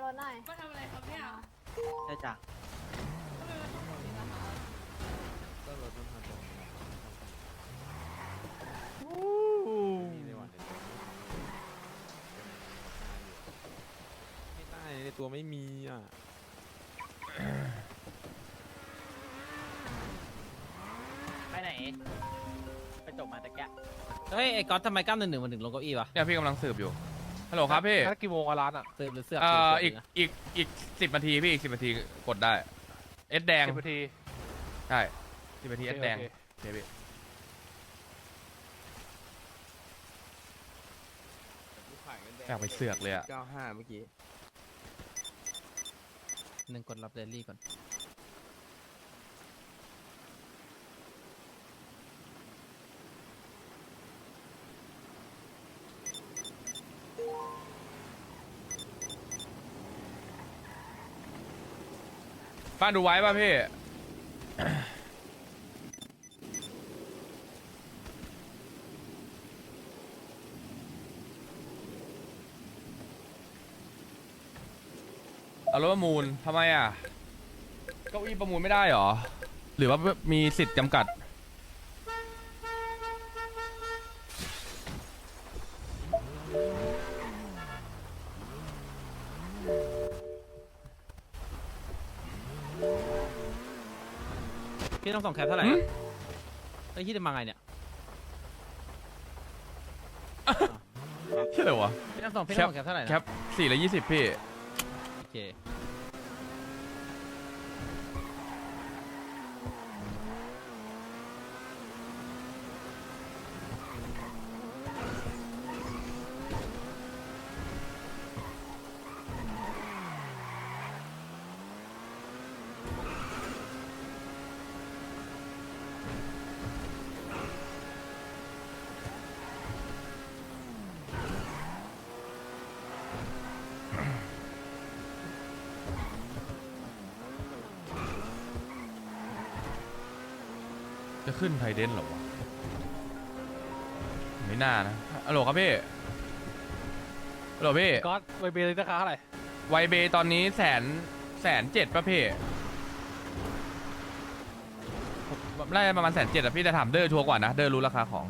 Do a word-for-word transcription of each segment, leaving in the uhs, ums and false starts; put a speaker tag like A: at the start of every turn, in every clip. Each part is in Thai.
A: นหน่อย
B: มาทำอะไรครับเนี่ย
C: ใช่จ้ะ
B: ทำไมมันต้องแบบนี้ล่ะคะ
D: ก็รถมันมาตรงนี้มีในวันไม่ได้ในตัวไม่มีอ่ะ
C: ไปไหนไปจบมาตะแกะเฮ้ยไอ้ก๊อตทำไมก้ามหนึ่งหนึ่งมันถึงลงเก้าอี้วะ
E: เนี่ยพี่กำลังสืบอยู่ฮัลโหลครับพี่
F: นัดกี่โมงอะร้านอ่ะ
C: สืบหรือเสือก
E: เอ่อ
C: สื
E: อี
C: บ
E: ก
C: นะ
E: อีกอีกสิบนาทีพี่อีกสิบนาทีกดได้เอสแดง
F: สิบนาที
E: ใช่สิบนาทีเอสแดง
F: โอเค
E: โอเคพี่ อยากไปเสือกเลยอะ
D: เก้าห้าเมื่อกี้
C: หนึ่งกดรับเดลี่ก่อน
E: บ้านดูไว้ป่ะพี่ เอารถประมูลทำไมอ่ะเก้าอี้ประมูลไม่ได้เหรอ หรือว่ามีสิทธิ์จำกัด
C: พี่ต้องส่งแคปเท่าไหร่
E: หืม
C: นะไอ้ยที่จะมาไงเนี่ย
E: ใช่เลยวะ
C: พี่ต้องส่งพี่ต้องส่งแคปเท่าไหร่นะ
E: แคปสี่ละยี่สิบพี่
C: โอเค
E: จะขึ้นไทเดนเหรอวะ ไม่น่านะฮัลโหลครับพี่ฮัลโหลพี่
F: ก๊อตไวเบย์ราคาเท่าไหร่
E: ไวเบย์ตอนนี้แสนแสนเจ็ดป่ะพี่ผมได้ประมาณแสนเจ็ดอะพี่แต่ถามเดอร์ชัวร์กว่านะ เดอร์รู้ราคาของ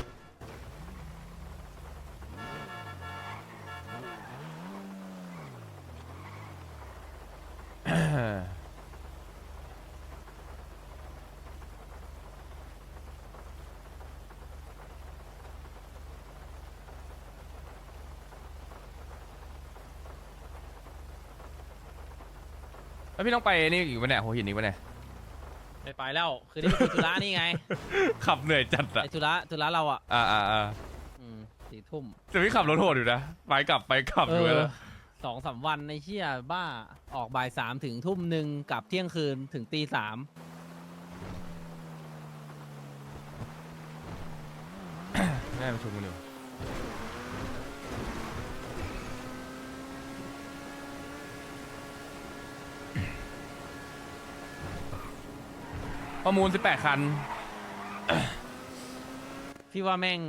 E: แล้วพี่ต้องไปนี่อีกวันไหนหัวหินอีกวันไหน
C: ไปไปแล้วคือนี่คือธุระนี่ไง
E: ขับเหนื่อยจัดอะ
C: ไอ้ธุระธุระเราอ่ะ
E: อ่าอ่าอ่า
C: อืมสี่ทุ่ม
E: แต่พี่ขับรถโหดอยู่นะ ไปกลับไปกลับอยู่
C: เออ
E: นะ
C: สองสามวันในเชี่ยบ้าออกบ่ายสามถึงทุ่มหนึ่งกลับเที่ยงคืนถึงตีสาม
E: แม่มาชมกันอยู่ประมูลสิบแปดคัน
C: พี่ว่าแม่ง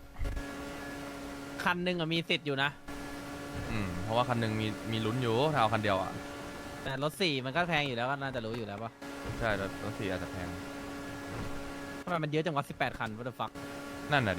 C: คันหนึ่งอะมีสิทธิ์อยู่นะ
E: อืม เพราะว่าคันหนึ่งมีมีลุ้นอยู่ถ้าเอาคันเดียวอ่ะ
C: แต่รถสี่มันก็แพงอยู่แล้วก็น่าจะรู้อยู่แล้วปะ
E: ใช่รถรถสี่อาจจะแพง
C: ทำไมมันเยอะจังวะสิบแปดคัน what the fuck
E: นั่นน่ะดิ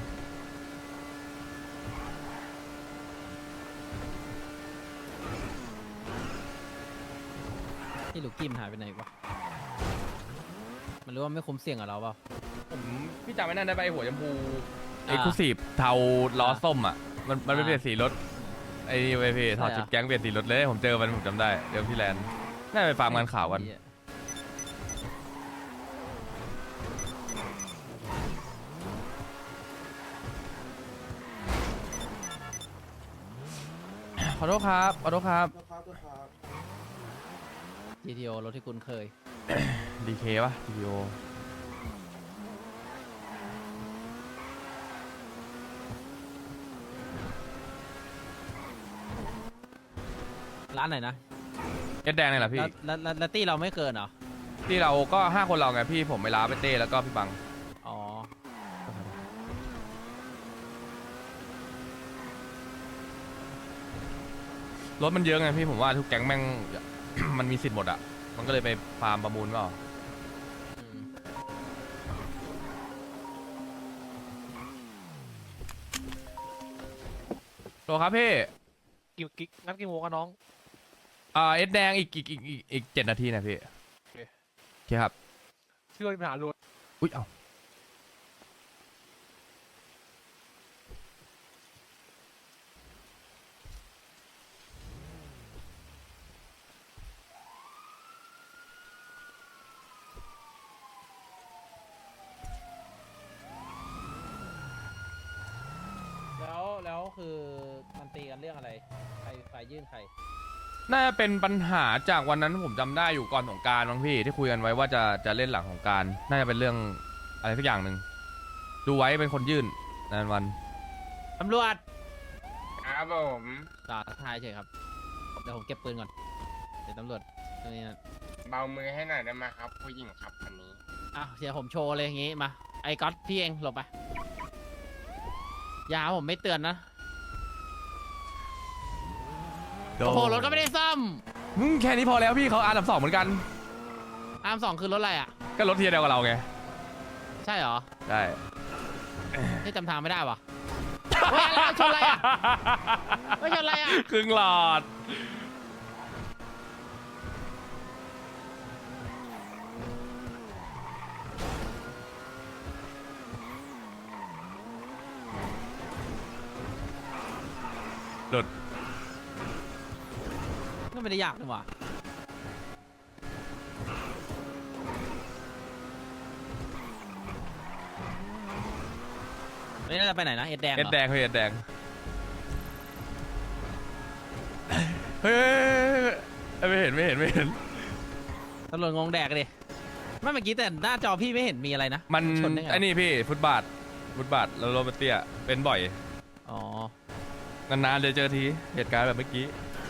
C: ที่ลูกกี้มันหายไปไหนวะมันรู้ว่าไม่คุ้มเสี่ยงกับเราเปล่า
E: ผมพี่จำไม่นั่นได้ไปะไอ้หัวชมพู
C: อ่า
E: เอ็กซ์คลูซีฟเทาล้อส้มอ่ะ มันมันเป็น
C: อ่า
E: เปลี่ยนสีรถ ไอ้นี่เว้ยพี่ถอด
C: ใช่เหรอ
E: ชุดแก๊งเปลี่ยนสีรถเลย ผมเจอมันผมจำได้ เดี๋ยวที่แลนด์น่าจะไปฟาร์มงานข่าวกัน
C: เหี้ย
E: ขอโทษครับ ขอโทษครับ
C: จี ที โอ รถที่คุ้นเคย
E: ดีเคป่ะ ดี โอ
C: ร้านไหนนะ
E: เอสแดงเลยเหรอพี่
C: แล้วแล้วแล้วแล้วตี้เราไม่เกินเหรอ
E: ที่เราก็ห้าคนเราไงพี่ผมไปล้าไปเต้แล้วก็พี่บัง
C: อ๋อ
E: พรถมันเยอะไงพี่ผมว่าทุกแก๊งแม่ง มันมีสิทธิ์หมดอะมันก็เลยไปฟาร์มประมูลเปล่า
C: อืม
E: โหลครับพี่
F: กี่กี่นัดกี่โมงกันน้อง
E: อ่าเอสแดงอีกอีกอีกอีกอีกเจ็ดนาทีนะพี่
F: โอเค
E: โอเคครับ
F: ชื่อว่ามีปัญหาล้วน
E: อุ้ยเอา
C: แล้วแล้วคือมันตีกันเรื่องอะไรใครใครยื่นใคร
E: น่าจะเป็นปัญหาจากวันนั้นผมจำได้อยู่ก่อนสงกรารบางพี่ที่คุยกันไว้ว่าจะจะเล่นหลังสงกรารน่าจะเป็นเรื่องอะไรสักอย่างหนึ่งดูไว้เป็นคนยื่นนานวัน
C: ตำรวจ
A: ครับผม
C: ต่อทายเฉยครับเดี๋ยวผมเก็บปืนก่อนเดี๋ยวตำรวจตรงนี้นะ
A: เบามือให้หน่อยได้ไหมครับ ผู้หญิงครับคันนี้
C: อ่ะเดี๋ยวผมโชว์เลยอย่างงี้มาไอ้ก๊อตพี่เองหลบไปอยาผมไม่เตือนนะโอ้โหรถก็ไม่ได้ซ่อม
E: มึงแค่นี้พอแล้วพี่เขาอาร์มสองเหมือนกัน
C: อาร์มสองคือรถอะไรอ่ะ
E: ก็รถเทียร์เดียวกับเราไง
C: ใช่เหรอ
E: ใช่
C: ที่จำทางไม่ได้วะเฮ้ยอะไรชนอะไรอ่ะไม่ชนอะไรอ่ะ
E: ครึ่งหลอดหลุด
C: ก็ไม่ได้ยากนี่หว่าไม่น่าจะไปไหนนะเอ็ดแดงเห
E: เอ็
C: ร
E: ด
C: อ
E: แดงเฮ้ยเอ็ดแดงเฮ้ยไม่เห็นไม่เห็นไม่เห็น
C: ตำรวจงงแดกเลยไม่เมื่อกี้แต่หน้าจอพี่ไม่เห็นมีอะไรนะ
E: มัน
C: ชนได้ไง
E: ไอ้นี่พี่ฟุตบาทฟุตบาทแล้วรถมันเตี้ยเป็นบ่อย
C: อ๋อ
E: นานๆจะเจอทีเหตุการณ์แบบเมื่อกี้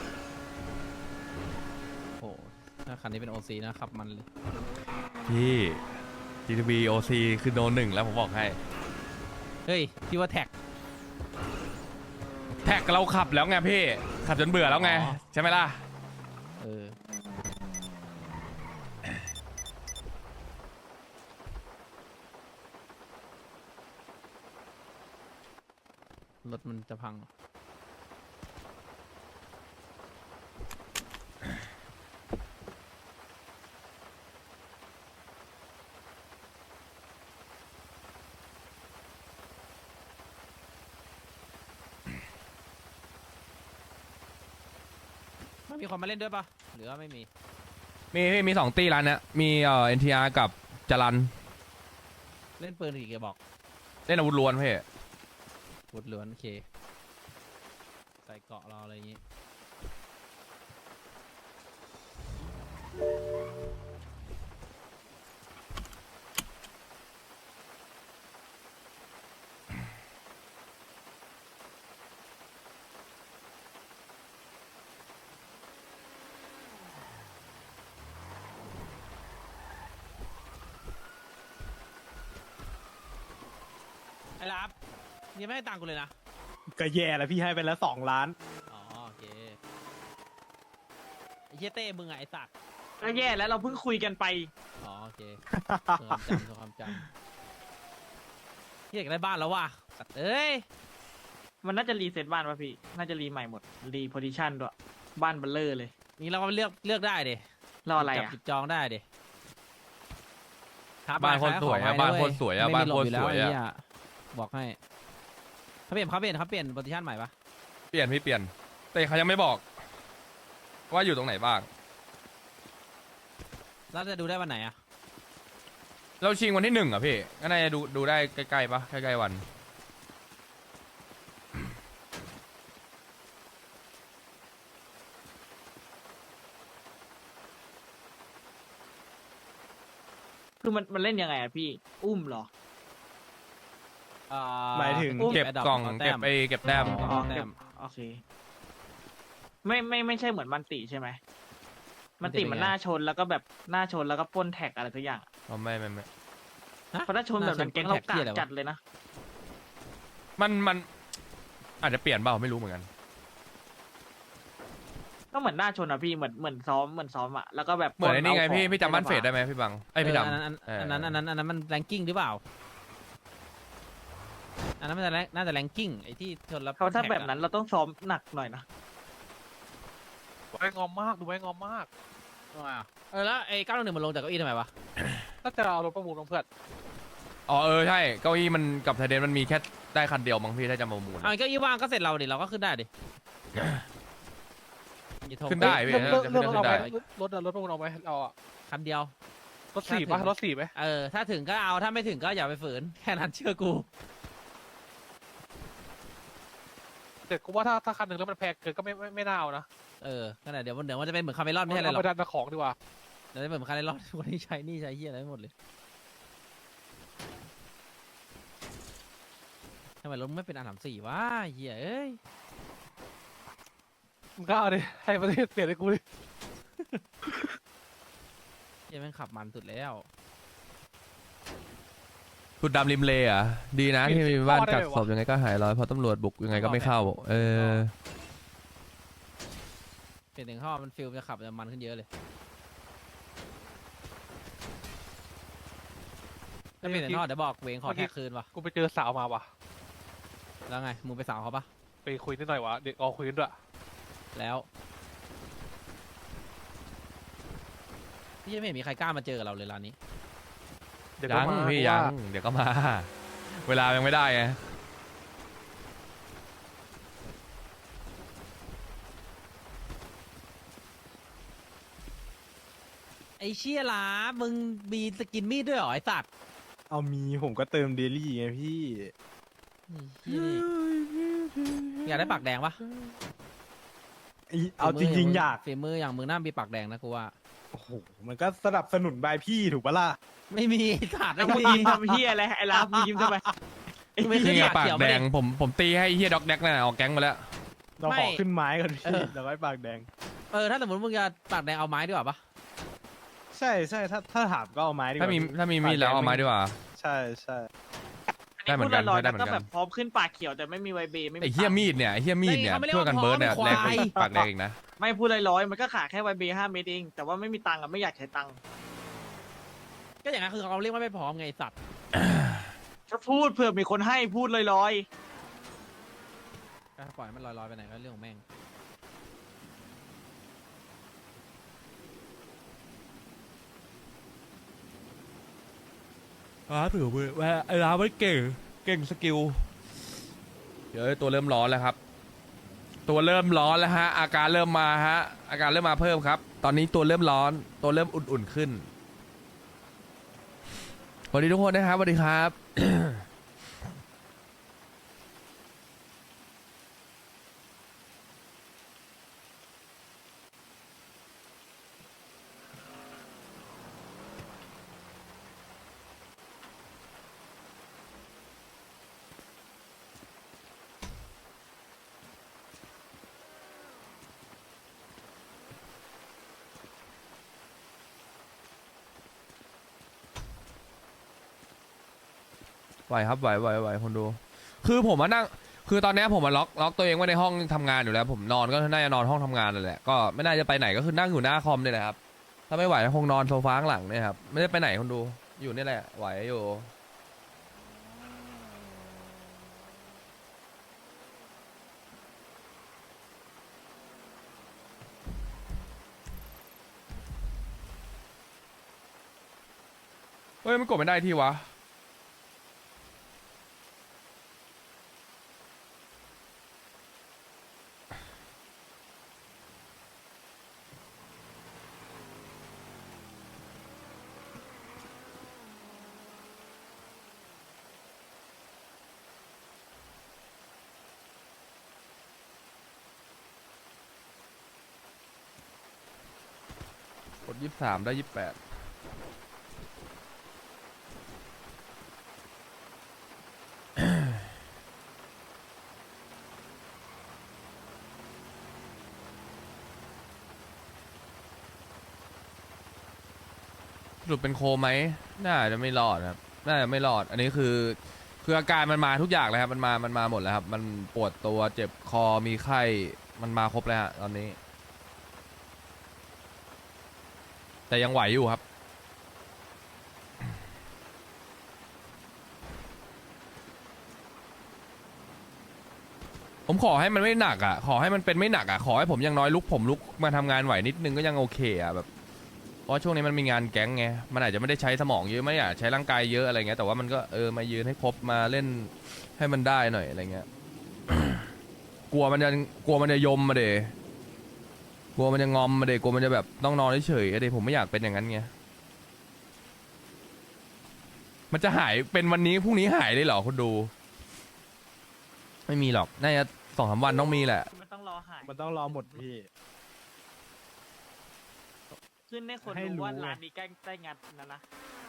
C: โหถ้าคันนี้เป็น โอ ซี นะขับมันเลย
E: พี่ จี ที บี โอ ซี คือโนหนึ่งแล้วผมบอกให้
C: เฮ้ยพี่ว่าแท็ก
E: แท็กเราขับแล้วไงพี่ ขับจนเบื่อแล้วไง
C: อ๋อ
E: ใช่ไหมล่ะ
C: เออรถมันจะพัง ไม่มีคนมาเล่นด้วยปะหรือว่าไม่มี
E: มีพี่มีสองตีร้านเนี้ยมีเอ่อ เอ็น ที อาร์ กับจรัน
C: เล่นปืนกี่กระบอก
E: เล่นอาวุธล้วนพี่
C: วุดล้วนโอเค ใส่เกราะรออะไรอย่างงี้ ไอ้รับยังไม่ให้ตังค์กูเลยนะ
F: ก็แย่แล้วพี่ให้ไปแล้วสองล้าน
C: อ๋อโอเคไอ้เหี้ยเต้มึงอะไอ้สัตว์
G: ก็แย่แล้วเราเพิ่งคุยกันไป
C: อ๋อโอเคทรงความจำทรงความจำเหี้ยอยากได้บ้านแล้วว่ะสัตว์เอ้ย
G: มันน่าจะรีเซ็ตบ้านป่ะพี่ น่าจะรีใหม่หมด รีโพซิชันด้วย บ้านเบลเลอร์เลย
C: นี่เราก็เลือกเลือกได้ดิ
G: รออะไร
C: จับ
G: อ่ะ
C: จิบจองได้ดิครับ
E: บ้านโคตรสวยอะ
C: ขง
E: บ้าน
C: ไว้
E: โคตรสวยอะ
C: ไม่
E: บ้าน
C: มีหล
E: โคตร
C: อยู่
E: ส
C: แล้ว
E: วย
C: ไอ้
E: อะ
C: เหี้ยบอกให้เขาเปลี่ยนเขาเปลี่ยนเขาเปลี่ยนโพซิชันใหม่ปะ
E: เปลี่ยนพี่เปลี่ยน แต่เขายังไม่บอก ว่าอยู่ตรงไหนบ้าง
C: แล้วจะดูได้วันไหนอะ
E: เราชิงวันที่หนึ่งอ่ะพี่ ก็น่าจะดูดูได้ใกล้ๆปะใกล้ๆวัน
G: คือมันมันเล่นยังไงอ่ะพี่ อุ้มเหรอ
C: อ่า
F: หมายถึง
E: เก็บ
C: แดด
E: กล่อง
C: าแต้
E: เก็บ
C: ม
E: ไอเก็บแต้ม
C: อ๋อแต้ม
G: โอเค ไม่ไม่ไม่ใช่เหมือนมันติใช่ไหม มันติ
C: มันติเป็นไง
G: มันหน้าชนแล้วก็แบบหน้าชนแล้วก็ปล้นแท็กอะไรทุกอย่าง
E: อ๋อไม่ไม่ไม่
C: ฮะ
G: เพราะถ้าชนแบบนั้น
C: ห
G: แก๊ง
C: ช
G: เรา
C: ปล้น
G: กา
C: แท็
G: ด
C: หี้ยอะไรวะ
G: จัดเลยนะ
E: มันมันอาจจะเปลี่ยนเปล่าไม่รู้เหมือนกัน
G: ก็เหมือนหน้าชนอะพี่เหมือนเหมือนซ้อมเหมือนซ้อมอะแล้วก็แบบ
E: เหมือนไอ้นี่ไง
G: าขอ
E: พี่พี่จำบ้านเฟดได้ไหมพี่บังไอยพี่
C: เออ
E: ดำ
C: อันนั้น
E: เออ
C: อันนั้นอันนั้นอันนั้นมันแรงกิ้งหรือเปล่าอันนั้นมันจะแรงน่าจะแรงกิ้งไอ้ที่ชนแล้ว
G: เขาถ้า
C: ท็ก
G: แบบ
C: อะ
G: นั้นเราต้องซ้อมหนักหน่อยนะ
F: ไว้งอมมากดูไว้งอมมาก
C: เออแล้วไอ้เก้าหนึ่งมันลงจากเก้าอี้ทำไมวะ
F: ถ้าจะเอารถประมูลลงเพื่อน
E: อ๋อเออใช่เก้าอี้มันกับไทเดนมันมีแค่ได้คันเดียวมั้งพี่ถ้าจะมามูล
C: เอาไอ้เก้าอี้ว่างก็เสร็จเราดิเราก็ขึ้นได้ดิอย่าโทร
E: ขึ้นได้พี่
F: เรื่องเรื่อง
E: จะ
F: เรื่องรถ
E: ขึ้น
F: เอา
E: ได้
F: ไหมรถอะรถประมูลเอาไหมเราอะ
C: คันเดียว
F: รถสี่ปะรถสี่ไหม
C: เออถ้าถึงก็เอาถ้าไม่ถึงก็อย่าไปฝืนแค่นั้นเชื่อกู
F: แต่กูว่าถ้าถ้าคันหนึ่งแล้วมันแพงเกินก็ไม่ไม่ไม่น่าเอานะ
C: เออขนาดเดี๋ยวมันเดี๋ยวมันจะเป็นเหมือนคาเมลอนไม่ใช่อะไรหร
F: เอา
C: อก
F: ไปดันของดีกว่า
C: เดี๋ยวจะเป็นเหมือนคาเมลอนคนที่ใช้หนี่ใช้เฮียอะไรไม่หมดเลยทำไมรถมึงไม่เป็นอันดับสี่วะเฮียเอ้ย
F: มึงก็เอาดิให้ประเทศเสียให้กูดิ
C: เฮียแม่งขับมันสุดแล้ว
E: ขุดดำริมเลอ่ะดีนะที่มีบ้านกักศพยังไงก็หายร้อยเพราะตำรวจบุกยังไงก็ไม่เข้าเออ
C: เปลี่ยนถึงข้อมันฟิลจะขับจะมันขึ้นเยอะเลยถ้าเปลี่ยนถึงข้อเดี๋ยวบอกเวงขอแท็กคืนวะ
F: กูไปเจอสาวมาว่ะ
C: แล้วไงมึงไปสาวเขาปะ
F: ไปคุยนิดหน่อยวะเด็กออกคุยกันด้วย
C: แล้วพี่ยังไม่เห็นมีใครกล้ามาเจอกับเราเลยร้านนี้
F: เดี๋ยวก็
E: ยัง
F: มา
E: พี่
F: เพ
E: ยั
F: ราะ
E: ง
F: ว่า
E: เดี๋ยวก็มา เวลายังไม่ได้ไง
C: ไอ้เชี่ยหลามึงมีสกินมีดด้วยเหรอไอ้สัตว์
H: เอามีผมก็เติมเดลี่ไงพี่
C: เหี้ยนี่อยากได้ปากแดงปะ
H: ไอ้เอาจริงๆอยาก
C: ฝีมืออย่างมึงน่ามีปากแดงนะกูว่า
H: โอ้โห มันก็สนับสนุนบายพี่ถูกปะล่ะ
C: ไม่มีไอ้สัตว์
G: แล้ว
C: ไม่
G: มึง
C: มี
G: ยิ้มทำเฮียอะไรไอ้ลาบมึงยิ้มทำไม
C: ไม่ขึ้น
E: นี่ไง
C: ปาก
E: ปาก
C: เขียว
E: แด
C: ไม่ได้
E: งผมผมตีให้ไอ้เฮียด็อกแดกนั่นนะออกแก๊งมาแล้ว
H: เรา
C: ไม่
H: ขอขึ้นไม้ก่อนพี่
C: เออ
H: เราไว้ปากแดง
C: เออถ้าสมมติมึงจะปากแดงเอาไม้ดีกว่าปะ
H: ใช่ใช่ถ้าถ้าถามก็เอาไม้ดีกว่า
E: ถ้ามี
H: พี่
E: ถ้ามีมีดแล้วเอาไม้ดีกว่า
H: ใช่ใช่
E: ได้เหมือนกัน
G: พูดลอยๆ
E: ได้เหมือน
G: ก็
E: กัน
G: แบบพร้อมขึ้นปากเขียวแต่ไม่มีไวเบย์ไม่มี
E: ไอ้เฮียมีดเนี่ยไอ้เฮียมีดเนี่ยช่วยกันเบิร์ดเนี่ยแดงกว่าปากแดงอีกนะ
G: ไม่พูดลอยๆมันก็ขาดแค่ไวเบย์ห้าเมตรเองแต่ว่าไม่มีตังค์อะไม่อยากใช้ตังค์
C: ก็อย่างนั้นคือเขาเรียกว่าไม่พร้อมไงไอ้สัตว์
G: ถ้าพูดเผื่อมีคนให้พูดลอย
C: ก็ปล่อยมันลอยๆไปไหนก็เรื่องของแม่ง
E: อ้าถือว่าไอ้ร้านมันเก่งเก่งสกิลเดี๋ยวตัวเริ่มร้อนแล้วครับ ตัวเริ่มร้อนแล้วฮะอาการเริ่มมาฮะอาการเริ่มมาเพิ่มครับ ตอนนี้ตัวเริ่มร้อนตัวเริ่มอุ่นๆขึ้นสวัสดีทุกคนนะครับสวัสดีครับ ไหวครับไหวไหวไหวคนดู คือผมมานั่งคือตอนเนี้ยผมมาล็อกล็อกตัวเองไว้ในห้องทำงานอยู่แล้ว ผมนอนก็น่าจะนอนห้องทำงานนั่นแหละก็ไม่น่าจะไปไหนก็คือนั่งอยู่หน้าคอมเนี่ยแหละครับถ้าไม่ไหวก็คงนอนโซฟาข้างหลังเนี่ยครับไม่ได้ไปไหนคนดูอยู่นี่แหละไหวอยู่เฮ้ยมันกดไม่ได้ที่วะกดยี่สิบสามได้ยี่สิบแปดสรุปเป็นโคไหมน่าจะไม่รอดครับน่าจะไม่รอด อันนี้คือคืออาการมันมาทุกอย่างเลยครับมันมามันมาหมดแล้วครับมันปวดตัวเจ็บคอมีไข้มันมาครบแล้วฮะตอนนี้แต่ยังไหวอยู่ครับ ผมขอให้มันไม่หนักอ่ะ ขอให้มันเป็นไม่หนักอ่ะ ขอให้ผมอยังน้อยลุกผมลุกมาทำงานไหวนิดนึงก็ยังโอเคอ่ะแบบ เพราะช่วงนี้มันมีงานแก๊งไง มันอาจจะไม่ได้ใช้สมองเยอะไม่อยากใช้ร่างกายเยอะอะไรเงี้ย แต่ว่ามันก็เออมายืนให้ครบมาเล่นให้มันได้หน่อยอะไรเงี้ย กลัวมันจะกลัวมันจะยมมาเดกลัวมันจะงอมมาเดกลัวมันจะแบบต้องนอนเฉยๆอะเดผมไม่อยากเป็นอย่างนั้นไง มันจะหายเป็นวันนี้พรุ่งนี้หายเลยเหรอคุณดู ไม่มีหรอก น่าจะสองสามวันต้องมีแหละ
G: มันต้องรอหาย
H: มันต้องรอหมดพี่
G: ขึ้นให้คน
H: ให้รู้
G: รู้ว่า
H: ไง
G: ร้านนี้ใกล้ใกล้งัดนะนะ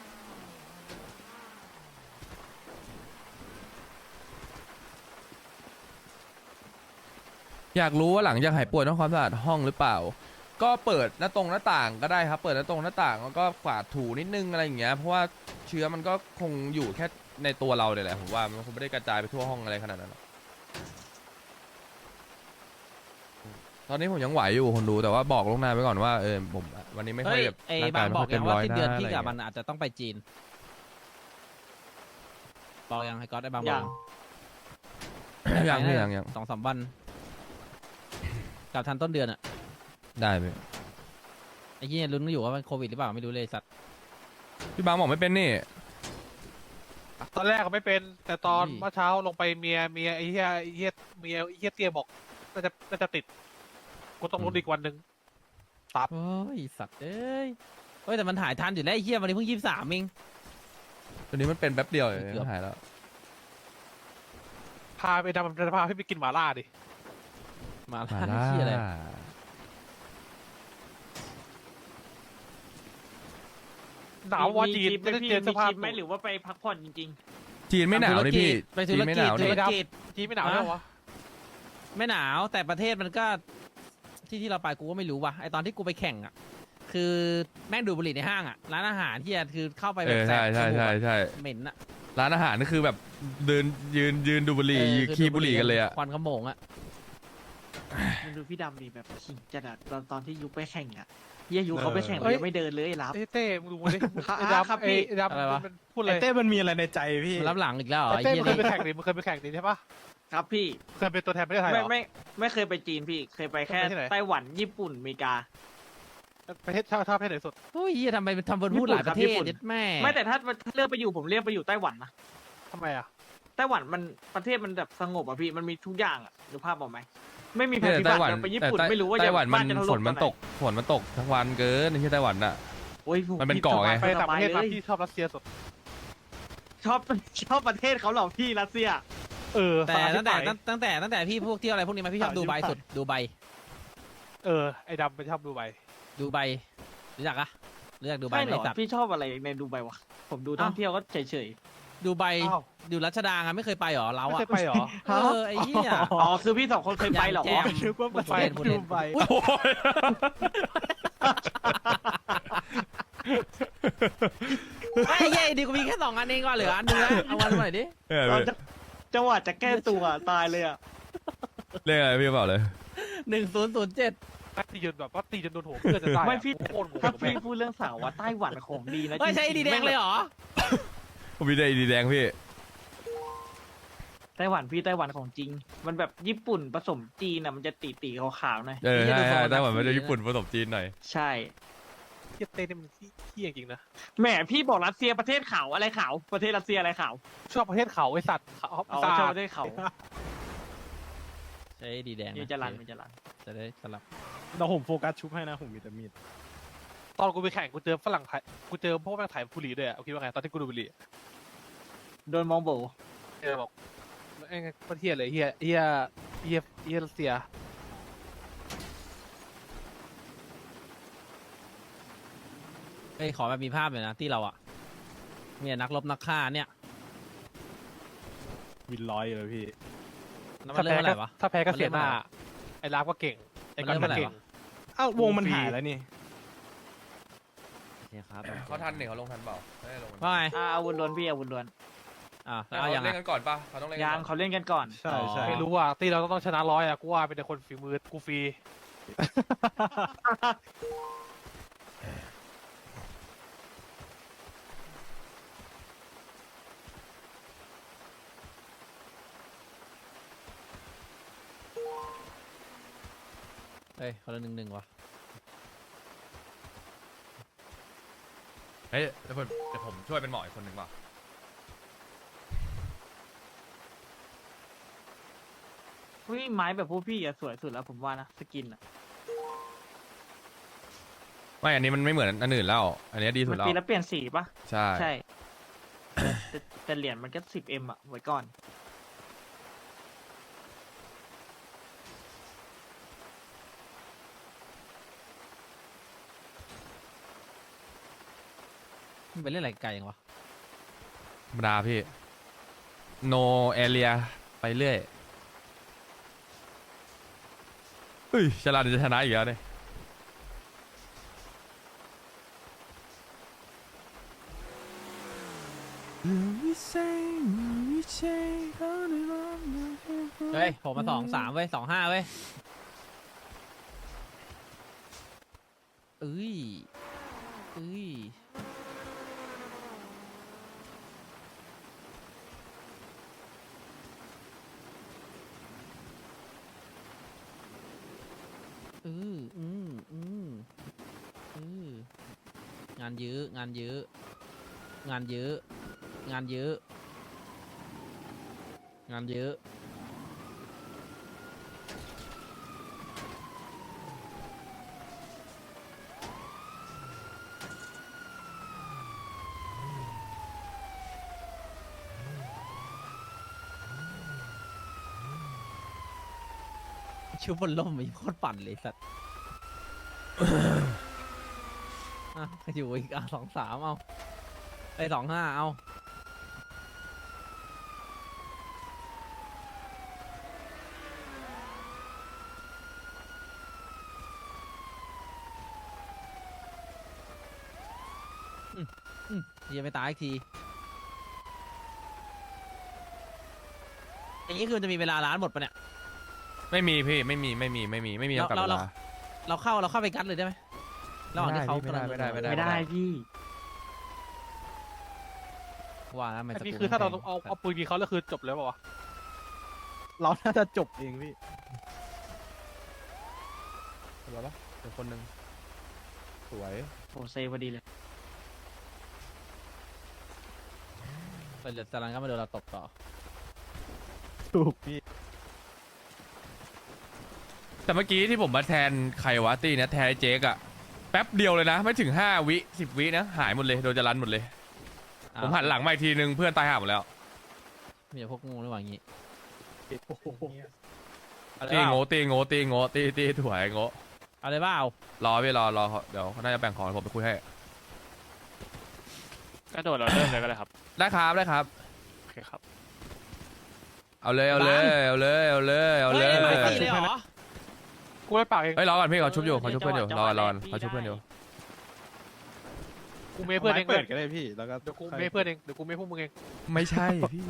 E: อยากรู้ว่าหลังจากหายป่วยต้องความสะอาดห้องหรือเปล่า ก็เปิดหน้าตรงหน้าต่างก็ได้ครับ เปิดหน้าตรงหน้าต่างแล้วก็กวาดถูนิดนึงอะไรอย่างเงี้ย เพราะว่าเชื้อมันก็คงอยู่แค่ในตัวเราเนี่ยแหละผมว่ามันคงไม่ได้กระจายไปทั่วห้องอะไรขนาดนั้นหรอกตอนนี้ผมยังไหวอยู่คนดูแต่ว่าบอกลวงหน้าไว้ก่อนว่าเออผมวันนี้ไม่ค่อ
C: เฮ้
E: ย
C: ย
E: แบบ
C: ไอ้
E: ร่าง
C: บาก
E: าง ยไม่
C: บอ
E: ค่อก ย
C: ยั
E: เต็
C: ง
E: มร้
C: ว่า
E: อย
C: สิ้น
E: นะ
C: เดือน
E: อะไร
C: พี่
E: อย่าง
C: กับมั
E: เงี้
C: น
E: ย
C: อาจจะต้องไปจีน บอกยังไอ้ก๊อตไอ้บางบ
G: ยั
C: อก
G: ง
E: ยังพี่ยังยัง
C: สองสามวันกลับทันต้นเดือนอะ
E: ได้ไหม
C: ไอ้ยี่ลุ้นอยู่ว่ามันโควิดหรือเปล่าไม่รู้เลยสัตว์
E: พี่บางบอกไม่เป็นนี่
F: ตอนแรกก็ไม่เป็น แต่ตอน
C: อุ้ย
F: เมื่อเช้าลงไปเมียเมียไอ้เหี้ยไอ้เหี้ยเมียไอ้เหี้ยเตี้ยบอกน่าจะน่าจะติดกูต้องลุ้นอีกวันหนึ่ง
C: โอ้ยสัตว์เอ้ยเฮ้ยแต่มันหายทันอยู่แล้วไอ้เหี้ยวันนี้เพิ่งยี่สิบสามเอง
E: ตอนนี้มันเป็นแป๊บเดียวเอง
C: เกือบ
E: หายแล้ว
F: พาไปดำจะพาพี่ไปกินหมาล่าดิ
C: มา
E: มา
C: ล่า
E: ล่า
C: เหี้ยอะไร
F: หนาวว่าจีน
G: ไม่
F: ไม่ได้
G: พี่
F: เจอส
G: มี
F: ภาพ
G: คลิปไหมหรือว่าไปพักผ่อนจริง
E: จีนไม่หนาวนี่พี่
C: ไปธุ
E: จี
C: ร
E: นไม่ห
C: กิจ
E: นาว
C: ธุ
E: นี่
C: รกิจ
F: จีนไม่หนาวแล้ววะ
C: ไม่หนาวแต่ประเทศมันก็ที่ที่เราไปกูก็ไม่รู้ว่ะไอตอนที่กูไปแข่งอ่ะคือแม่งดูดบุหรี่ในห้างอ่ะร้านอาหารที่คือเข้าไป
E: เอ
C: แบบ
E: อ
C: แส
E: ใช่
C: บ
E: ใช่
C: จมูก
E: ใช่
C: อะ
E: ใช่
C: เหม็นอ่ะ
E: ร้านอาหารนี่คือแบบเดินยืนยืนดูบุหรี่
C: เออ
E: ยืน
C: คือ
E: ขี้
C: ดู
E: บุหรี่กันเลยอ่ะ
C: ควันขโมงอ่ะ
G: ๆมันดูพี่ดำดีแบบขิงจัดอะตอนตอนที่ยุคไปแข่งอะเฮียยุคเขาไปแข่ง
F: เอ้
G: เลย
F: ย
G: ยังไม่เดินเลยไอ้รับ
F: ไอ้เต้มึงดูดิ
G: ครับ
F: ไอ้
G: ครับ
F: ดำ
G: พี่
F: ไอ้ดำ
C: อะไรวะ
F: มันพูดเล
H: ไอ้
F: ย
H: เต้มันมีอะไรในใจพี่
C: มันรับหลังอีกแล้วเหรอ
F: ไอ้
C: ไอ้
F: เต้
C: เหี้
F: มึ
C: ย
F: งเคย
C: นี่
F: ไปแข่งดิมึงเคยไปแข่งดิใช่ปะ
G: ครับพี่
F: เคยเป็นตัวแทนประเทศไทยเหร
G: ไม่
F: อ
G: ไม่ไม่เคยไปจีนพี่เคยไปแค่
F: ไปที่ไหน
G: ไต้หวันญี่ปุ่นอเมริกา
F: ประเทศชาติชาติประเทศไหนสุด
C: โอ้ยเหี้ยทำไมมันทำบนพูดหลายประเท
G: ญี่
C: ศ
G: ปุ่น
C: เด็ดแม่
G: ไม่แต่ถ้าถ้าเลือกไปอยู่ผมเลือกไปอยู่ไต้หวันนะ
F: ทำไมอ่ะ
G: ไต้หวันมันประเทศมันแบบสงบอ่ะพี่มันมีทุกอย่างอ่ะดูภาพบอกไหมไม่มีภั
E: เนี่ย
G: ยพิ
E: ไต้
G: บัติ
E: หวัน
G: เดี๋ยวไปญี่
E: แต่
G: ปุ่น
E: ไต้
G: ไม่รู้ว่า
E: ไต้
G: จะ
E: หวันมั
G: บ้าน นจะถ
E: ฝ
G: ล่
E: น
G: ม
E: มันตกฝนมันตกทั้งวันเกินในที่ไต้หวันน่ะ
G: โอ้ย
E: มันเป็น
G: พี่
E: เกาะไง
G: ส
F: ไป
G: บาย
F: ต่างประเทศ
G: สบ
F: มา
G: าย
F: พี่
G: เลย
F: ชอบรัสเซียสุด
G: ชอบชอบประเทศเขาเหรอพี่รัสเซีย
F: เออ
C: แต่
F: สาร
C: ตั้งแต่
F: ที่ไหน
C: ตั้งแต่ตั้งแต่พี่พวกเที่ยวอะไรพวกนี้มาพี่ชอบดูไบสุดดูไบ
F: เออไอ้ดำไปชอบดูใบ
C: ดูไบรู้จักอะรู้จักดูไบ
G: ใช่
C: ไหม
G: เหรอ
C: ไอ้สัตว์
G: พี่ชอบอะไรในดูไบวะผมดูท่องเที่ยวก็เฉย
C: ดูไบ
F: อ้าว
C: ดูรัชดาไงไม่เคยไปหรอเรา
F: ไม่
C: อะ
F: เคยไปเหรอ
C: เออไอ้เหี้ย
G: ๆอ๋อคือพี่สองคนเคยไปเหรอ
C: แจม
H: นึกว่า
C: พูด
H: ไป
C: เล่นพูดเล่น
H: ดูใบ
C: อุ๊ย
E: โอ้ย
C: ไอ้เหี้ยดีกูมีแค่สองอันเองก็เหลืออันนึงแล้วเอาวันมาหน่อยดิ
E: เออ
G: ตอนจะจังหวะจะแก้ตัวตายเลยอ่ะ
E: เรียกอะไรพี่เปล่าเลย
C: หนึ่งศูนย์ศูนย์เจ็ด
F: ตีจนแบบว่าตีจนโดนหัวเพื่อนจะได้อะ
G: ไม่พี่
F: โคตรโหด
G: ถ้า
F: แม่
G: พี่
F: ง
G: พูดเรื่องสาวว่าไต้หวันของดีนะ
C: เฮ้ยใช่
G: จริงๆ
C: ดีแดงเลยเหรอ
E: ผมมีได้ดีแดงพี่
G: ไต้หวันพี่ไต้หวันของจริง มันแบบญี่ปุ่นผสมจีนอ่ะมันจะตีตีๆขาวๆหน่อย
E: เออ
C: ไอ้เหี้ย
E: ใช่
C: ดูทรงมัน
E: ใช่ไต้หวันมัน
C: น่า
E: จะ
C: ซื้อ
E: ญี่ปุ่นผสมจีนหน่อย
G: ใช่
F: เหี้ยเต้นี่มันเที่ยจริงๆนะ
G: แหมพี่บอกรัสเซียประเทศขาวอะไรขาวประเทศรัสเซียอะไรขาว
F: ชอบประเทศเขาไอ้สัตว์เขา
G: อ๋อ
F: สะ
G: ชอบ
F: อาด
G: ประเทศเขา
C: ใช่ดีแดง
G: มีจรันมีจรัน
C: จะได้สลับ
H: เราผมโฟกัสชุบให้นะผมมีแต่มีด
F: ตอนกูไปแข่งกูเจอฝรั่งไทยกูเจอพวกแม่งถ่ายบุหรี่ด้วยอะเอาคิดว่าไงตอนที่กูดูบุหรี่อะ
G: โดนมองโบ
F: เออบอกไอ้ไงประเทศเลยเฮียเฮียเฮียเฮียรัสเซีย
C: เฮ้ยขอแบบมีภาพหน่อยนะที่เราอะเนี่ยนักรบนักฆ่าเนี่ย
H: วินร้อยเลยพี่
C: แล้วมันเริ่มเมื่อไหร่วะ
F: ถ้าแพ้ก็
C: มัน
F: เสี
C: เริ่
F: ย
C: ม
F: หน้า
C: เมื่อไหร่
F: ไอ้ลาฟก็เก่งไอ้
C: มัน
F: ก็
C: เริ่มเมื่อไหร่
F: เก่ง
C: วะ
H: อ้าววงมัน
F: ฟรี
H: หายแล้วนี่
C: เนี่ยครับ
E: เขาทันเนี่ยเขาลงทันเปล่าไม่ได้ลง
C: ว่าไง
G: อ่าอาวุธล้วนพี่อาวุธล้วน
C: อ่า
E: เขา
C: แล้วเอายัง
E: เล่น
C: อะ
E: กันก่อนป่ะเขาต้องเล่นกัน
G: ยั
E: ก่
G: ง
E: อน
G: เขาเล่นกันก่อน
H: ใช่ใช่
F: ไม่รู้อ่ะตีเราต้องชนะร้อยอ่ะกูว่าเป็นแต่คนฝีมือกูฟรี
C: เฮ้ยคนละหนึ่งหนึ่งวะ
E: เฮ้ยเดี๋ยวผมเดี๋ยวผมช่วยเป็นหมออีกคนหนึ่งป่ะ
G: อุ้ยไม้แบบพวกพี่อะสวยสุดแล้วผมว่านะสกินอะ
E: ไม่อันนี้มันไม่เหมือนอันอื่นแล้ว อันนี้ดีสุ
G: มั
E: ด
G: น
E: แล้ว
G: ตีแล้วเปลี่ยนสีปะ
E: ใช่
G: ใช่ แต่แต่เหรียญมันก็สิบเอ็มอะไว้ก่อน
C: มันไปเล่นอะไรไกลยังวะ
E: ธรรมดาพี่ no area ไปเรื่อยเฮ้ยฉลาดจะชนะอีกแล้วเนี่ย
C: เฮ้ยผมมาสองสามเว้ยสองห้าเว้ยเอ้ยเอ้ยอืออืมอืมอืองานเยอะงานเยอะงานเยอะงานเยอะงานเยอะชุบบนล่มมีโคตรปั่นเลยสัตว์ อ่ะอยู่อีกอ่ะสองสามเอาไปสองห้าเอาอืมอืมยังไม่ตายอีกทีอย่างนี้คือมันจะมีเวลาร้านหมดปะเนี่ย
E: ไม่มีพี่ไม่มีไม่มีไม่มีไม่มีจำกัด
C: เรา
E: เว
C: เรา
E: ลา
C: เราเข้าเราเข้าไปกัดเลยได้ไหมระหว่างที่เขา
E: ไม่ได้ไม่ได้ไม่ได้
G: ไม่ได้พี่
C: ว่าแล้วมัน
F: อัน
C: จะ
F: นี้
C: กู
F: คือถ้าเรา
C: แพง
F: เอาเอาปืนยิงเขาแล้วคือจบแล้วเปล่าวะ
H: เราน่าจะจบเองพี่
E: เหลือปะเดี๋ยวคนหนึ่งสวย
G: โหเซพอดีเลย
C: ไปเหลือจารันก็มาโดนเราตบต่อ
H: ถูกพี่
E: แต่เมื่อกี้ที่ผมมาแทนไขวะตี้เนี่ยแทนไอ้เจ๊กอะแป๊บเดียวเลยนะ ไม่ถึงห้าวิสิบวินะหายหมดเลยโดนจะรันหมดเลย ผมหันหลังมาอีกทีนึงเพื่อนตายห่าหมดแล้ว
C: มีแต่พวกงูระหว่างนี้
H: โอ้โห
C: เอาเลย
E: ตี
C: เปล่า
E: โง่ตีโง่ตีโง่ตีตีถวยโง่
C: เอาเลยเปล่าร
E: อพี่รอรอเดี๋ยวเขาน่าจะแบ่งของผมไปคุยให้
F: กระโดดเราเริ่มเลยก็ได้ครับ
E: ได้ครับได้ครับ
F: โอเคครับ
E: เอาเลยเอาเลยเอาเลยเอาเลยเอาเลย
C: ฮ้ไม่ตีเลยเหรอ
F: กูไม่ปากเอง
E: เฮ้ยรอก่อนพี่เขาชุบอยู่เขาชุบเพื่อนอยู่รอก่อนรอก่อนเขาชุบเพื่อนอยู่
F: กูเมย์เพื่อนเอง
H: เปิดก็ได้พี่ แล้วก็
F: เดี๋ยวกูเมย์เพื่อนเองเดี๋ยวกูเมย์พวกมึงเอง
E: ไม่ใช่พี่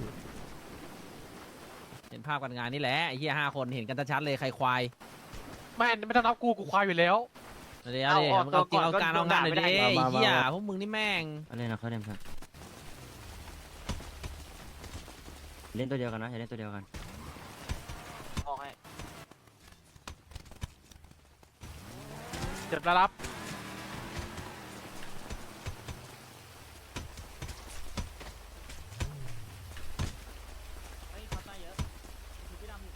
C: เห็นภาพกันงานนี่แหละไอ้เหี้ยห้าคนเห็นกันชัดๆเลยใครควาย
F: ไม่ไม่ต้องนับกูกูควายอยู่แล้ว
C: เดี๋ยวเดี๋ยวมึงเอาจริงเอาการเอางานหน่อยดิไอ้เหี้ยพวกมึงนี่แม่ง
I: อะไรนะเขาเล่นครับเล่นตัวเดียวกันนะอย่าเล่นตัวเดียวกัน
G: ออกให้
F: เจ็บแล้วรับ
G: เฮ้ยเขาตายเยอะคือพี่ดำอยู่นะ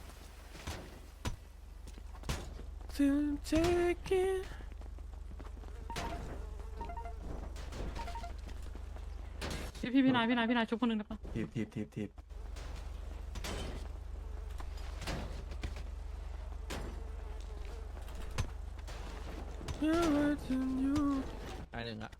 B: พี่พี่พี่นายพี่นายพี่นายชุบคนหนึ่งได้ปะ
I: ทีบทีบทีบทีบ
C: ตายหนึ่งอะ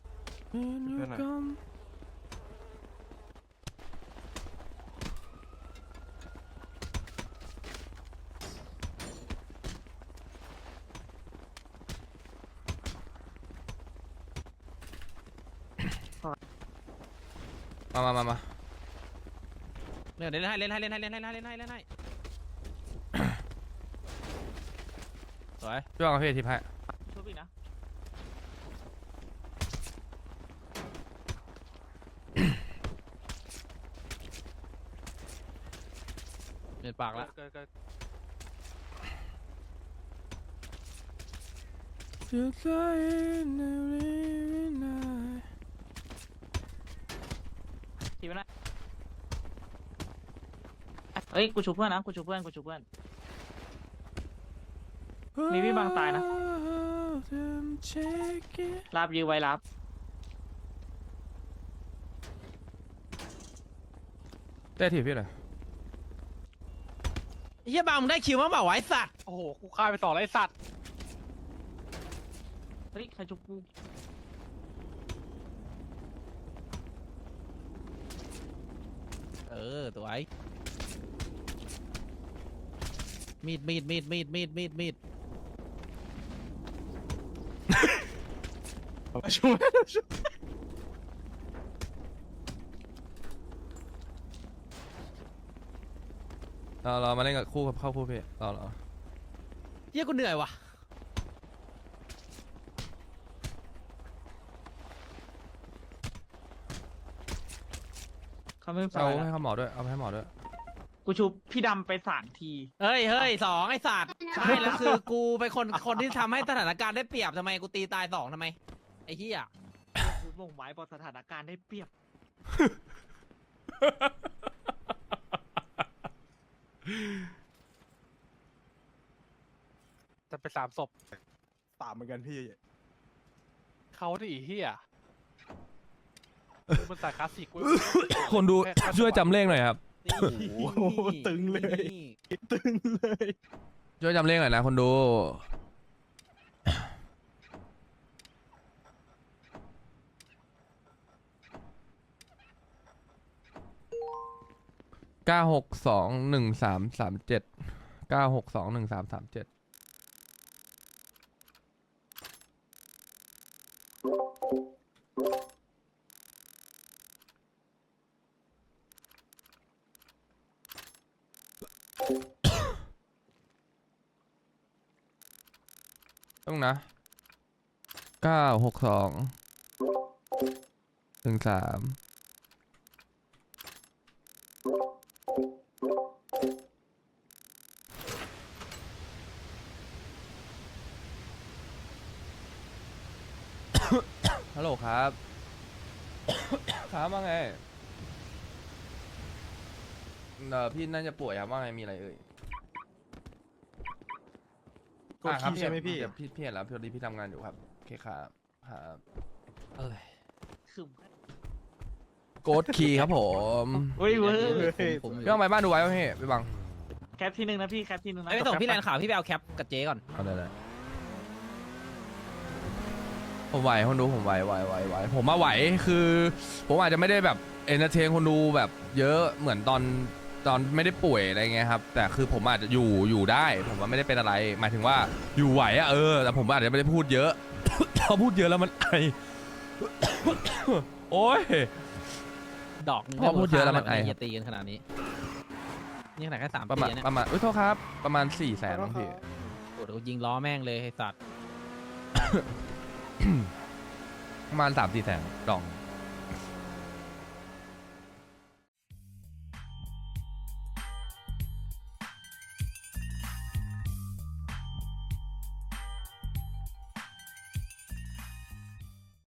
E: มามามามา
C: เล่นเล่นให้เล่นให้เล่นให้เล่นให้เล่นให้เล่นให้เล่นให้สวย
E: พี่วางกับพี่ทิพย์ให้
G: ชุบอีกนะ
C: เล่นปากละ
F: เกิดเกิด
G: ทีไปนะเฮ้ยกูชูเพื่อนนะกูชูเพื่อนกูชูเพื่อน มีพี่บางตายนะ ลาบยื้อไว้ลาบ
E: ได้ทีพี่หน่อย
C: ไอ้เหี้ยบางมึงได้คิวมั้งเปล่าวะไอ้สัตว์
F: โอ้โหกูฆ่าไปสองแล้วไอ้สัตว์
G: เฮ้ยใครชุบกู
C: เออตัวไอ้มีดมีดมีดมีดมีดมีดมีด
H: ช่วย
E: เราเรามาเล่นกับคู่กับเข้าคู่พี่เราเรา
C: เหี้ยกูเหนื่อยว่ะ
G: เขาไม่เป็น
E: เอา
G: ไร
E: ให้
G: แล้ว
E: เขาหมอด้วยเอาไปให้หมอด้วย
G: กูชูพี่ดำไปสามที
C: เฮ้ยเฮ้ยสองไอ้สัตว์ใช่แล้วคือกูเป็นคนคนที่ทำให้สถานการณ์ได้เปรียบทำไมกูตีตายสองทำไมไอ้เหี้ย
G: กูบ่งไว้บอกสถานการณ์ได้เปรียบ
F: จะไปสามศพ
H: ตามเหมือนกันพี่
F: เขาที่อีเหี้ยมันสายคลาสสิกเว้ย
E: คนดู
F: แค่แค่
E: ช่วยจำเลขหน่อยครับ
C: นี่
H: โอ้โหตึงเลย
C: นี่
H: ตึงเลย
E: ช่วยจำเลขหน่อยนะคนดูเก้าหกสองหนึ่งสามสามเจ็ดเก้าหกสองหนึ่งสามสามเจ็ดต้องนะเก้าหกสองหนึ่งสามฮัลโหลครับ ครับว่าไงเออพี่น่าจะป่วยครับว่าไงมีอะไรเอ่ย
H: กดขี้ใช่ไหมพี่
E: เดี๋ยวพี่พี่เห็นแล้วพี่ดีพี่ทำงานอยู่ครับโอเคครับครับ
C: เอ้ย
G: คือ
E: โกดคีย์ครับผม
G: เฮ้ยเว้ย
C: ผมผม
E: พี่ต้องไปบ้านดูไว้ป่ะพี่ไปบัง
G: แคปที่หนึ่งนะพี่แคปที่หนึ่งนะ
C: ไอ้ไปส่งพี่แลนข่าวพี่ไปเอาแคปกับเจ๊ก่อน
E: เอาได้เลยผมไหวคนดูผมไหวไหวไหวไหวผมมาไหวคือ ผมอาจจะไม่ได้แบบเอนเตอร์เทนคนดูแบบเยอะเหมือนตอนตอนไม่ได้ป่วยอะไรเงี้ยครับแต่คือผมอาจจะอยู่อยู่ได้ ผมว่าไม่ได้เป็นอะไร หมายถึงว่าอยู่ไหวอะเออแต่ผมอาจจะไม่ได้พูดเยอะ พอพูดเยอะแล้วมันไอ โอ้ย
C: ดอกหนึง
E: พอพูดเยอะแล้วมันไอ
C: อย่าตีกันขนาดนี้นี่ขนาดแค่สาม
E: ประ
C: ปี
E: มาณ
C: เนี่ย
E: ประมาณอุ้ยโทษครับประมาณสี่แสนพี่
C: โอ้โหยิงล้อแม่งเลยไอ้สัตว์
E: ประมาณสามสี่แสนดอง